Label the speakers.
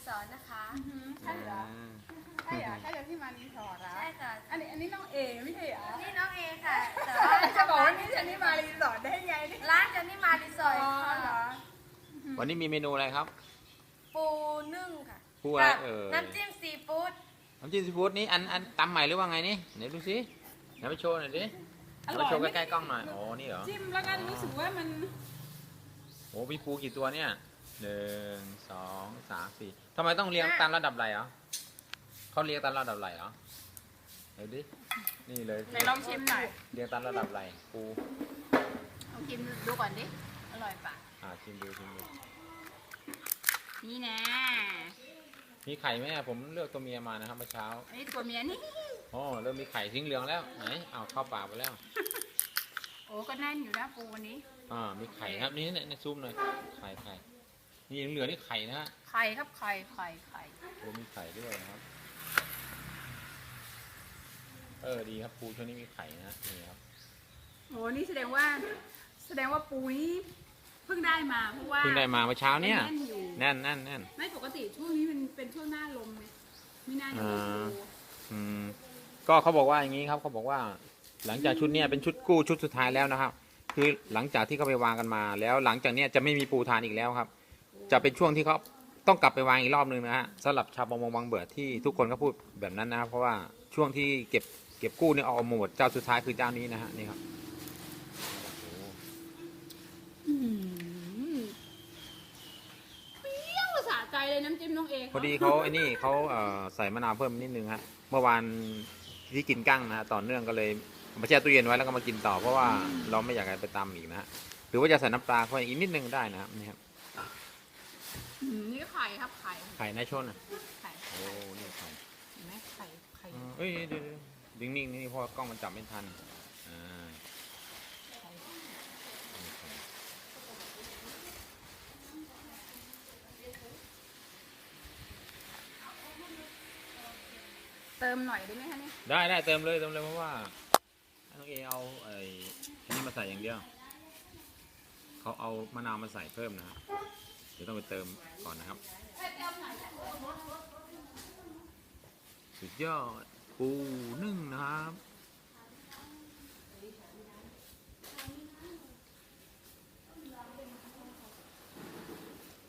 Speaker 1: สอร์ทนะคะ
Speaker 2: ใช่เหรอใช่เหรอใช่เหรอที่มารีสอร์ทเหรอ
Speaker 1: ใช่ค่ะ
Speaker 2: อันนี้น้องเอไม่ใช่เหรอ
Speaker 1: นี่น้องเอค่ะ แต่ว่า
Speaker 2: จะบอกว่านี่ฉันนี่มารีสอร์ทได้ไงเนี่ย
Speaker 1: ร้านจันนี่มารีสอร์ท
Speaker 2: อ๋อเหร
Speaker 1: ค่ะ
Speaker 2: อ
Speaker 3: วันนี้มีเมนูอะไรครับ
Speaker 1: ปูนึ่งค่ะ
Speaker 3: ปูอะไร
Speaker 1: กับ
Speaker 3: ย
Speaker 1: น้ำจิ้มซีฟู้ด
Speaker 3: น้ำจิ้มซีฟู้ดนี้อันตำใหม่หรือว่าไงนี่ไหนดูสิไหนไปโชว์หน่อยดิไหนไปโชว์ใกล้ๆกล้องหน่อยโอ้นี่เหรอ
Speaker 2: จิ้มแล้วก็รู้สึกว่ามัน
Speaker 3: โอ้มีปูกี่ตัวเนี่ย1 2 3 4ทำไมต้องเรียงตามระดับไหลเหรอเขาเรียงตามระดับไหลเหรอเดี๋ยวดินี่เลย
Speaker 2: ไหนลองชิมหน่อย
Speaker 3: เรียงตามระดับไหลปู
Speaker 2: ลองชิมดูก่อนดิอร่อยปะ
Speaker 3: ชิมดู
Speaker 2: นี่นะ
Speaker 3: มีไข่ไหมอะผมเลือกตัวเมียมานะครับเมื่อเช้า
Speaker 2: อันนี้ตัวเมียนี่
Speaker 3: อ๋อเริ่มมีไข่ทิ้งเหลืองแล้วไหนเอาเข้าปากไปแล้ว
Speaker 2: โอ้ก็แน่นอยู่นะปูวันนี้
Speaker 3: มีไข่ครับนี่ในซุปหน่อยไข่นี่เหลืองๆนี่ไข่นะฮะ
Speaker 2: ไข่ครับไข่
Speaker 3: โอ้มีไข่ด้วยนะครับดีครับปูช่วงนี้มีไข่นะนี่ครับ
Speaker 2: โอ้นี่แสดงว่าปูนี้เพิ่งได้มาเพราะว่า
Speaker 3: เพิ่งได้มาเมื่อเช้าเนี่ย
Speaker 2: แน่นอยู่
Speaker 3: แน่น
Speaker 2: ไม่ปกติช่วงนี้มันเป็นช่วงหน้าลมไงไม่น่าจะมีปู
Speaker 3: ก็เขาบอกว่าอย่างนี้ครับเขาบอกว่าหลังจากชุดเนี้ยเป็นชุดกู้ชุดสุดท้ายแล้วนะครับ คือหลังจากที่เขาไปวางกันมา แล้วหลังจากเนี้ยจะไม่มีปูทานอีกแล้วครับ จะเป็นช่วงที่เขาต้องกลับไปวางอีกรอบนึงนะฮะสำหรับชาวประมงบางเบื่อที่ทุกคนก็พูดแบบนั้นนะครับเพราะว่าช่วงที่เก็บกู้เนี่ยเอาหมดเจ้าสุดท้ายคือเจ้านี้นะฮะนี่ครับ
Speaker 2: เปรี้ยวสะใจเลยน้ำจิ้มน้องเอง
Speaker 3: พอดีเขาไอ้นี่เขาใส่มะนาวเพิ่มนิดนึงฮะเมื่อวานที่กินกั้งนะฮะต่อเนื่องก็เลยมาแช่ตู้เย็นไว้แล้วก็มากินต่อเพราะว่าเราไม่อยากให้ไปตามอีกนะฮะหรือว่าจะใส่น้ำปลาเข้าไปอีกนิดนึงได้นะครับนี่ครับ
Speaker 2: นี่ไข่ครับไข่
Speaker 3: ไข่ในชนอ่ะ
Speaker 2: ไข่
Speaker 3: โอ้นี่ไข่
Speaker 2: เห็นไหมไข่
Speaker 3: เอ้ยเดี๋ยวดึงนิ่งนี่เพราะว่ากล้องมันจับไม่ทันนี่ไข่
Speaker 2: เติมหน่อยได้ไหมคะเนี่ย
Speaker 3: ได้เติมเลยเพราะว่าน้องเอเอาไอ้นี่มาใส่อย่างเดียวเขาเอามะนาวมาใส่เพิ่มนะครับเดี๋ยวต้องไปเติมก่อนนะครับสุดยอดปูนึ่งนะครับ